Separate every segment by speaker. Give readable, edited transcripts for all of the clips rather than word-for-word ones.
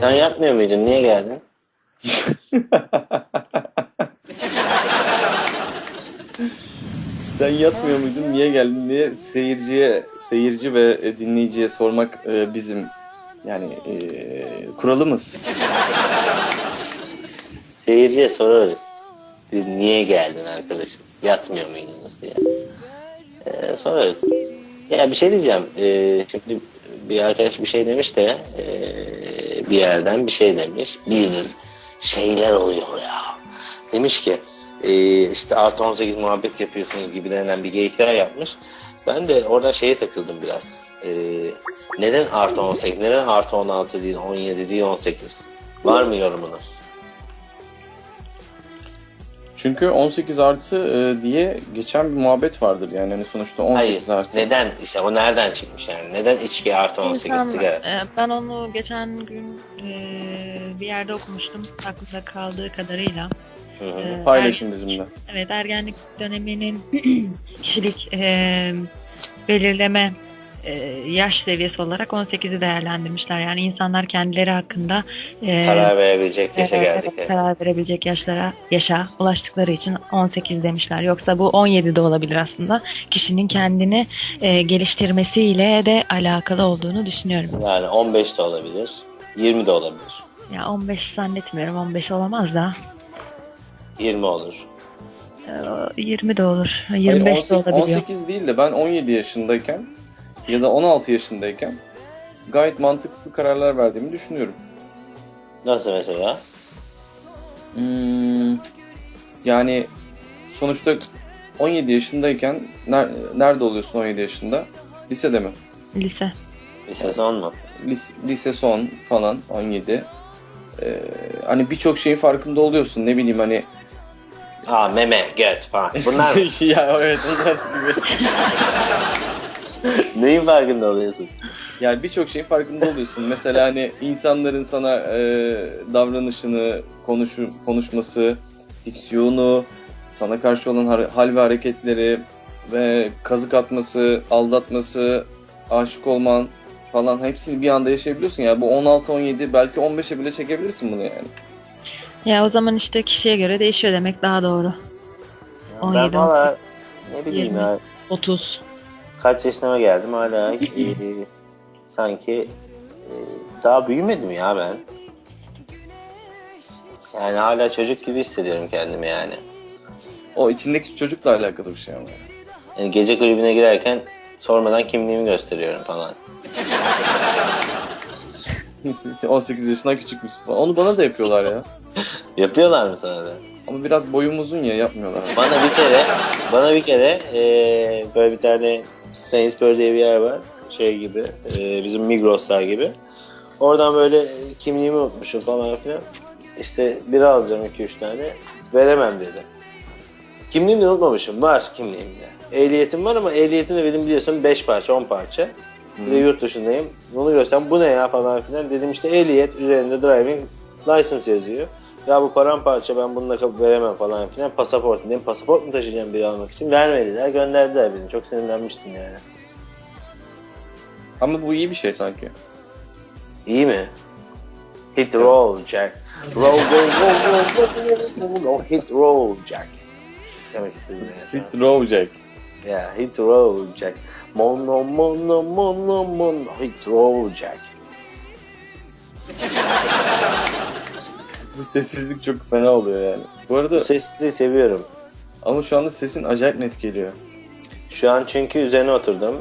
Speaker 1: Sen yatmıyor muydun? Niye geldin?
Speaker 2: Sen yatmıyor muydun? Niye geldin diye seyirci ve dinleyiciye sormak bizim yani kuralımız.
Speaker 1: Seyirciye sorarız. Niye geldin arkadaşım? Yatmıyor muydunuz diye. Sorarız. Ya bir şey diyeceğim. Şimdi bir arkadaş bir şey demiş de bir yerden bir şey demiş. Bir şeyler oluyor ya. Demiş ki işte artı 18 muhabbet yapıyorsunuz gibi denen bir geyikler yapmış. Ben de oradan şeye takıldım biraz. Neden artı 18? Neden artı 16 değil, 17 değil, 18? Var mı yorumunuz?
Speaker 2: Çünkü 18 artı diye geçen bir muhabbet vardır yani hani sonuçta 18
Speaker 1: Hayır,
Speaker 2: artı.
Speaker 1: neden? İşte o nereden çıkmış yani? Neden içki artı 18 sigara?
Speaker 3: Ben onu geçen gün bir yerde okumuştum. Aklımda kaldığı kadarıyla.
Speaker 2: Paylaşın bizimle.
Speaker 3: Evet, ergenlik döneminin kişilik belirleme yaş seviyesi olarak 18'i değerlendirmişler. Yani insanlar kendileri hakkında
Speaker 1: Karar verebilecek yaşa geldik.
Speaker 3: karar verebilecek yaşa ulaştıkları için 18 demişler. Yoksa bu 17 de olabilir aslında. Kişinin kendini geliştirmesiyle de alakalı olduğunu düşünüyorum.
Speaker 1: Yani 15 de olabilir, 20 de olabilir.
Speaker 3: Ya 15 zannetmiyorum. 15 olamaz da.
Speaker 1: 20 olur.
Speaker 3: 20 de olur.
Speaker 2: Hayır,
Speaker 3: 25 de olabiliyor.
Speaker 2: 18 değil de ben 17 yaşındayken ya da 16 yaşındayken gayet mantıklı kararlar verdiğimi düşünüyorum.
Speaker 1: Nasıl mesela?
Speaker 2: Yani sonuçta 17 yaşındayken nerede oluyorsun 17 yaşında? Lisede mi?
Speaker 3: Lise.
Speaker 1: Lise son mu?
Speaker 2: Lise son falan 17. Hani birçok şeyin farkında oluyorsun. Ne bileyim hani.
Speaker 1: Meme, göt falan. Bunlar mı?
Speaker 2: Ya evet onlar gibi.
Speaker 1: Neyin farkında oluyorsun?
Speaker 2: Yani birçok şeyin farkında oluyorsun. Mesela hani insanların sana davranışını, konuşması, diksiyonu, sana karşı olan hal ve hareketleri ve kazık atması, aldatması, aşık olman falan hepsini bir anda yaşayabiliyorsun. Yani bu 16-17 belki 15'e bile çekebilirsin bunu yani.
Speaker 3: Ya o zaman işte kişiye göre değişiyor demek daha doğru.
Speaker 1: Ben
Speaker 3: 17,
Speaker 1: valla ne bileyim
Speaker 3: 20,
Speaker 1: ya.
Speaker 3: 30.
Speaker 1: Kaç yaşına geldim hala sanki daha büyümedim ya ben. Yani hala çocuk gibi hissediyorum kendimi yani.
Speaker 2: O içindeki çocukla alakalı bir şey ama.
Speaker 1: Yani gece kulübüne girerken sormadan kimliğimi gösteriyorum falan.
Speaker 2: 18 yaşından küçükmüş falan. Onu bana da yapıyorlar ya.
Speaker 1: Yapıyorlar mı sana da?
Speaker 2: Ama biraz boyum uzun ya yapmıyorlar.
Speaker 1: Bana bir kere böyle bir tane Sainsbury diye bir yer var. Şey gibi, bizim Migros'lar gibi. Oradan böyle kimliğimi unutmuşum falan filan. İşte bira alacağım 2-3 tane. Veremem dedi. Kimliğimi de unutmamışım. Var kimliğimde. Ehliyetim var ama ehliyetim de benim biliyorsun 5 parça 10 parça. Bir de yurt dışındayım. Bunu görsem bu ne ya falan filan. Dedim işte ehliyet üzerinde driving license yazıyor. Ya bu paramparça ben bununla veremem falan filan. Pasaport dedim. Pasaport mu taşıyacağım biri almak için? Vermediler. Gönderdiler beni. Çok sinirlenmiştim yani.
Speaker 2: Ama bu iyi bir şey sanki.
Speaker 1: İyi mi? Hit roll Jack. Roll. Hit roll Jack. Demek istedim yani.
Speaker 2: Hit row Jack.
Speaker 1: Yeah, hit roll Jack. Mono. Hit roll Jack.
Speaker 2: Bu sessizlik çok fena oluyor yani. Bu arada
Speaker 1: Bu sessizliği seviyorum.
Speaker 2: ama şu anda sesin acayip net geliyor.
Speaker 1: Şu an çünkü üzerine oturdum.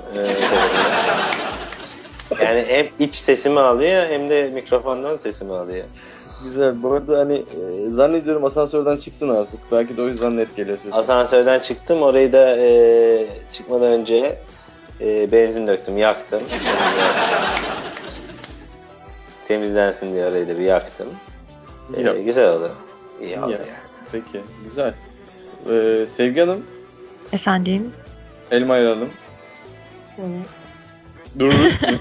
Speaker 1: Yani hem iç sesimi alıyor hem de mikrofondan sesimi alıyor.
Speaker 2: Güzel. Bu arada hani zannediyorum asansörden çıktın artık. Belki de o yüzden net geliyor sesin.
Speaker 1: Asansörden çıktım. Orayı da çıkmadan önce benzin döktüm, yaktım. Temizlensin diye orayı da bir yaktım. Güzel oldu. İyi oldu yani.
Speaker 2: Peki. Güzel. Sevgi Hanım,
Speaker 3: Efendim?
Speaker 2: elma ayıralım.
Speaker 3: Evet.
Speaker 2: Dur.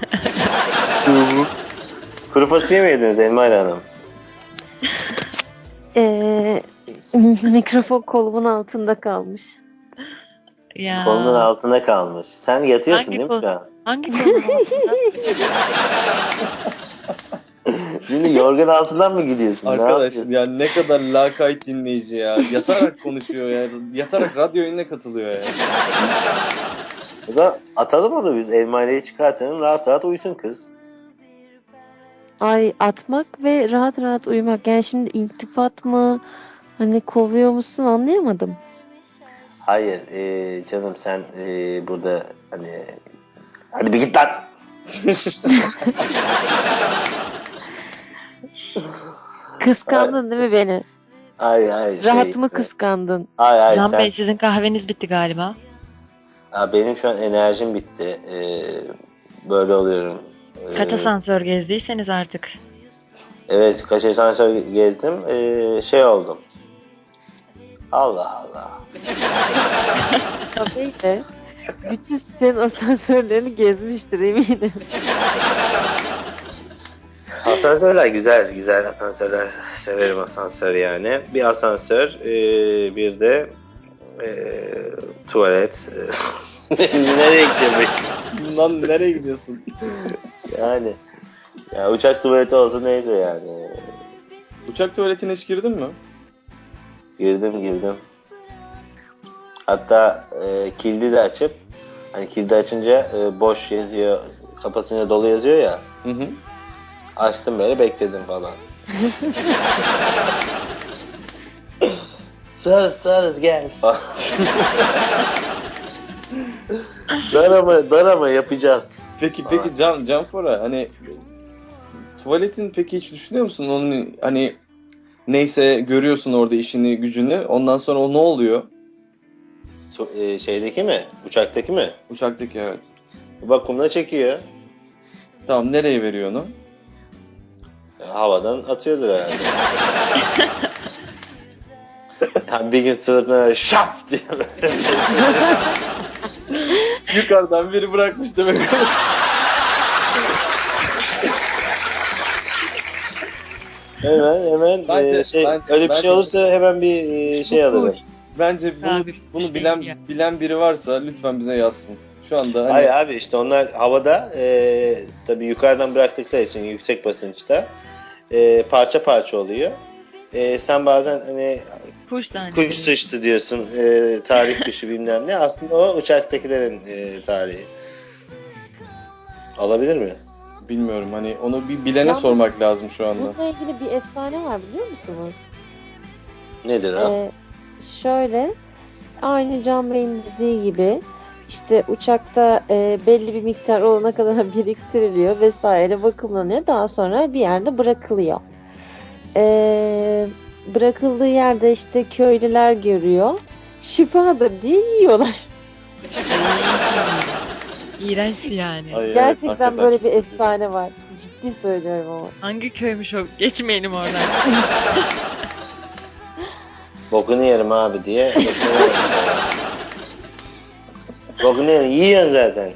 Speaker 1: Kuru fasulye mi yediniz Elmayla Hanım?
Speaker 4: Mikrofon kolumun altında kalmış.
Speaker 3: Ya.
Speaker 1: Kolunun altında kalmış. Sen yatıyorsun değil mi şu an?
Speaker 3: Hangi konu altında?
Speaker 1: Dün Şimdi yorgan altından mı gidiyorsun? Ne
Speaker 2: Arkadaş
Speaker 1: yapıyorsun?
Speaker 2: yani ne kadar lakayt dinleyici ya. Yatarak konuşuyor ya. Yatarak radyo yayınına katılıyor ya.
Speaker 1: O zaman atalım onu biz. Elmayleyi çıkartalım. Rahat rahat uyusun kız.
Speaker 4: Ay atmak ve rahat rahat uyumak. Yani şimdi iltifat mı? Hani kovuyor musun anlayamadım.
Speaker 1: Hayır canım sen burada hani hadi bir git lan.
Speaker 4: Kıskandın değil mi beni?
Speaker 1: Ay
Speaker 4: Rahatımı kıskandın.
Speaker 1: Ay
Speaker 3: Can
Speaker 1: sen.
Speaker 3: Bey sizin kahveniz bitti galiba.
Speaker 1: Benim şu an enerjim bitti. Böyle oluyorum.
Speaker 3: Kaç asansör gezdiyseniz artık.
Speaker 1: Evet kaç asansör gezdim. Şey oldum. Allah Allah.
Speaker 4: Tabii de bütün sitenin asansörlerini gezmiştir eminim.
Speaker 1: Asansörler güzel asansörler. Severim asansör yani. Bir asansör, bir de tuvalet. Nereye gidiyorum?
Speaker 2: Lan nereye gidiyorsun?
Speaker 1: Yani ya uçak tuvaleti olsa neyse yani.
Speaker 2: Uçak tuvaletine hiç girdin mi?
Speaker 1: Girdim. Hatta kilidi de açıp hani kilidi açınca boş yazıyor, kapatınca dolu yazıyor ya.
Speaker 2: Hı hı.
Speaker 1: Açtım böyle bekledim falan. Sarız gel falan. dar ama yapacağız.
Speaker 2: Peki Canfora hani tuvaletin peki hiç düşünüyor musun? Onun hani neyse görüyorsun orada işini gücünü. Ondan sonra o ne oluyor?
Speaker 1: Şeydeki mi? Uçaktaki mi?
Speaker 2: Uçaktaki evet.
Speaker 1: Vakumla çekiyor.
Speaker 2: Tamam nereye veriyor onu?
Speaker 1: Havadan atıyordur herhalde. Yani bir gün suratına şap diye böyle.
Speaker 2: Yukarıdan biri bırakmış demek.
Speaker 1: Hemen
Speaker 2: Bence-
Speaker 1: öyle bir
Speaker 2: bence-
Speaker 1: şey olursa hemen bir şey alırım.
Speaker 2: Bence
Speaker 3: Abi,
Speaker 2: bunu
Speaker 3: şey
Speaker 2: bilen
Speaker 3: ya.
Speaker 2: bilen biri varsa lütfen bize yazsın. Şu anda hani
Speaker 1: Hayır abi işte onlar havada tabii yukarıdan bıraktıkları için yüksek basınçta parça parça oluyor. Sen bazen hani
Speaker 3: Kuş zannediyorum.
Speaker 1: kuş sıçtı diyorsun tarih kuşu bilmem ne. Aslında o uçaktakilerin tarihi. Olabilir mi?
Speaker 2: bilmiyorum hani onu bir bilene
Speaker 4: Ya-
Speaker 2: sormak lazım şu anda.
Speaker 4: Bununla ilgili bir efsane var biliyor musunuz?
Speaker 1: Nedir o?
Speaker 4: Şöyle aynı Can Bey'in dediği gibi işte uçakta belli bir miktar olana kadar biriktiriliyor vesaire bakımlanıyor. Daha sonra bir yerde bırakılıyor. Bırakıldığı yerde işte köylüler görüyor. Şifadır diye yiyorlar.
Speaker 3: İğrençti yani.
Speaker 2: Ay, evet,
Speaker 4: Gerçekten
Speaker 2: hakikaten.
Speaker 4: böyle bir efsane var. Ciddi söylüyorum ama.
Speaker 3: Hangi köymüş o? Geçmeyelim oradan.
Speaker 1: Bokunu yerim abi diye. Bokunu yerim. Yiyorsun zaten.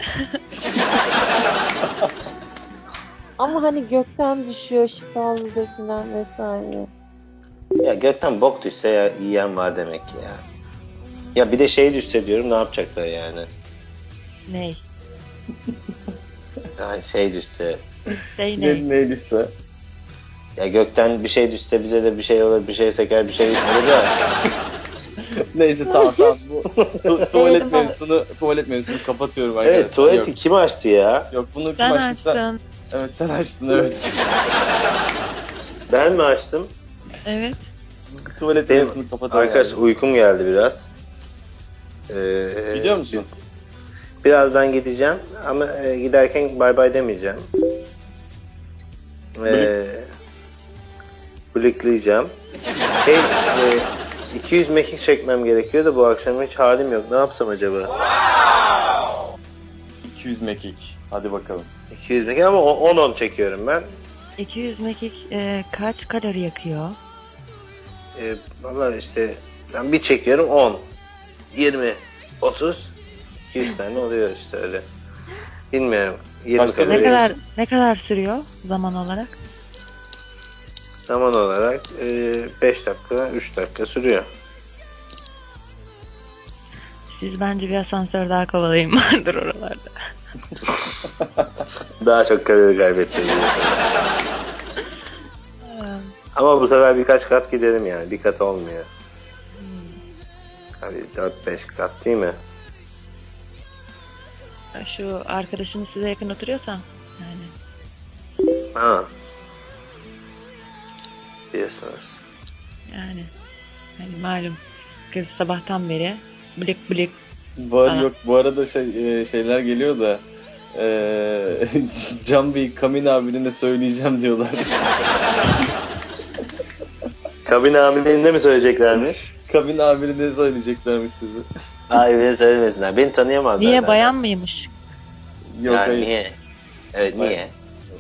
Speaker 4: Ama hani gökten düşüyor şifalıdır falan vesaire.
Speaker 1: Ya gökten bok düşse ya, yiyen var demek ki ya. Ya bir de şey düşse diyorum ne yapacaklar yani?
Speaker 3: Ney?
Speaker 1: Yani şey düşse.
Speaker 3: Şey ne?
Speaker 2: Neyliyse.
Speaker 1: Ya gökten bir şey düşse bize de bir şey olur, bir şey seker, bir şey olur ya.
Speaker 2: Neyse tamam bu tuvalet
Speaker 4: Eyvah.
Speaker 2: mevzusunu kapatıyorum arkadaşlar.
Speaker 1: Evet tuvaleti kim açtı ya?
Speaker 2: Yok bunu kim
Speaker 3: Sen
Speaker 2: açtı sen?
Speaker 3: açtın.
Speaker 2: Evet sen açtın evet.
Speaker 1: Ben mi açtım?
Speaker 3: Evet.
Speaker 2: Tuvalet
Speaker 1: Benim-
Speaker 2: mevzusunu kapatalım.
Speaker 1: Arkadaş
Speaker 2: abi.
Speaker 1: uykum geldi biraz.
Speaker 2: Gidiyor musun?
Speaker 1: Birazdan gideceğim ama giderken bay bay demeyeceğim. Blıklayacağım. 200 mekik çekmem gerekiyor da bu akşam hiç halim yok. Ne yapsam acaba?
Speaker 2: 200 mekik. Hadi bakalım.
Speaker 1: 200 mekik ama 10-10 çekiyorum ben.
Speaker 3: 200 mekik kaç kalori yakıyor?
Speaker 1: Vallahi işte ben bir çekiyorum 10, 20, 30, 200 tane oluyor işte öyle. Bilmiyorum. 20
Speaker 2: Kaç tane?
Speaker 1: kalori.
Speaker 3: Ne kadar sürüyor zaman olarak?
Speaker 1: Zaman olarak 5 dakika, 3 dakika sürüyor.
Speaker 3: Siz bence bir asansör daha kovalayın vardır oralarda.
Speaker 1: Daha çok kalori kaybettim diyorsun. Ama bu sefer birkaç kat gidelim yani. Bir kat olmuyor. Abi 4-5 kat değil mi?
Speaker 3: Şu arkadaşınız size yakın oturuyorsa yani.
Speaker 1: Ha. Diyorsunuz.
Speaker 3: Yani hani malum kız sabahtan beri blik blik.
Speaker 2: Var
Speaker 3: Aa.
Speaker 2: yok bu arada şeyler geliyor da Can Bey Kamin abine söyleyeceğim diyorlar.
Speaker 1: Kabin amirliğinde mi söyleyeceklermiş?
Speaker 2: Kamin abine söyleyeceklermiş sizi.
Speaker 1: Hayır, beni söylemesinler. Beni tanıyamazlar
Speaker 3: Niye
Speaker 1: zaten.
Speaker 3: bayan mıymış?
Speaker 2: Yok
Speaker 1: Yani
Speaker 2: hayır.
Speaker 1: niye? Evet,
Speaker 2: Hayır.
Speaker 1: niye?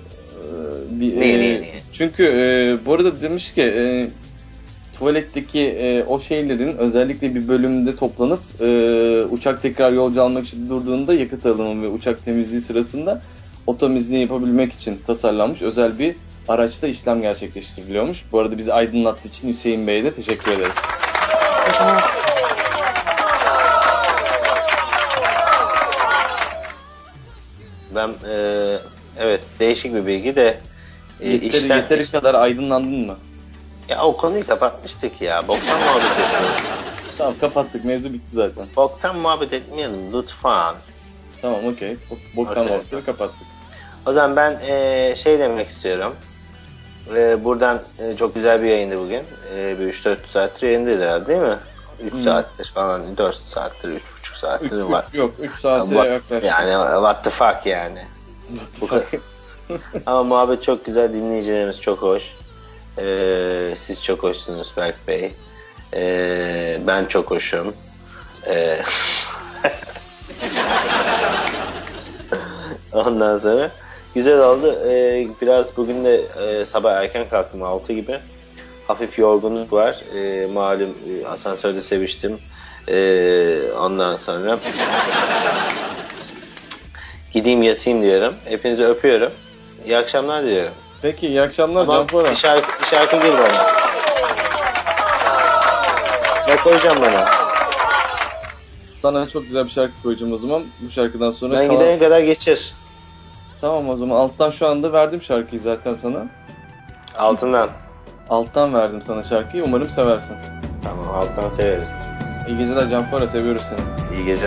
Speaker 2: Niye?
Speaker 1: Niye?
Speaker 2: Çünkü bu arada demiş ki tuvaletteki o şeylerin özellikle bir bölümünde toplanıp uçak tekrar yolcu almak için durduğunda yakıt alımı ve uçak temizliği sırasında o temizliği yapabilmek için tasarlanmış özel bir araçta işlem gerçekleştiriliyormuş. Bu arada bizi aydınlattığı için Hüseyin Bey'e de teşekkür ederiz.
Speaker 1: Ben evet, değişik bir bilgi de
Speaker 2: Yeteri kadar aydınlandın mı?
Speaker 1: Ya o konuyu kapatmıştık ya. Boktan muhabbet etmeyelim.
Speaker 2: Tamam kapattık, mevzu bitti zaten.
Speaker 1: Boktan muhabbet etmeyelim lütfen.
Speaker 2: Tamam okey. Boktan
Speaker 1: Okey.
Speaker 2: muhabbetleri kapattık.
Speaker 1: O zaman ben şey demek istiyorum. Buradan çok güzel bir yayındı bugün. Bir 3-4 saattir yayındayız herhalde değil mi? 3 saattir falan, 4 saattir, 3,5 saattir var.
Speaker 2: Yok 3 saate
Speaker 1: Ama-
Speaker 2: yaklaşık.
Speaker 1: Yani what the fuck yani. Bu kadar. Ama muhabbet çok güzel, dinleyicilerimiz çok hoş. Siz çok hoşsunuz Berk Bey. Ben çok hoşum. Ondan sonra güzel oldu. Biraz bugün de sabah erken kalktım, 6 gibi. Hafif yorgunluk var. Malum asansörde seviştim. Ondan sonra gideyim yatayım diyorum. Hepinizi öpüyorum. İyi akşamlar diliyorum.
Speaker 2: Peki iyi akşamlar
Speaker 1: Ama
Speaker 2: Canpora.
Speaker 1: bir şarkı gir bana. Ne koyacağım bana?
Speaker 2: Sana çok güzel bir şarkı koyacağım o zaman. Bu şarkıdan sonra
Speaker 1: Ben gidene kadar geçir.
Speaker 2: Tamam o zaman alttan şu anda verdim şarkıyı zaten sana.
Speaker 1: Altından.
Speaker 2: Alttan verdim sana şarkıyı. Umarım seversin.
Speaker 1: Tamam, alttan severiz.
Speaker 2: İyi geceler Canpora. Seviyoruz seni.
Speaker 1: İyi geceler.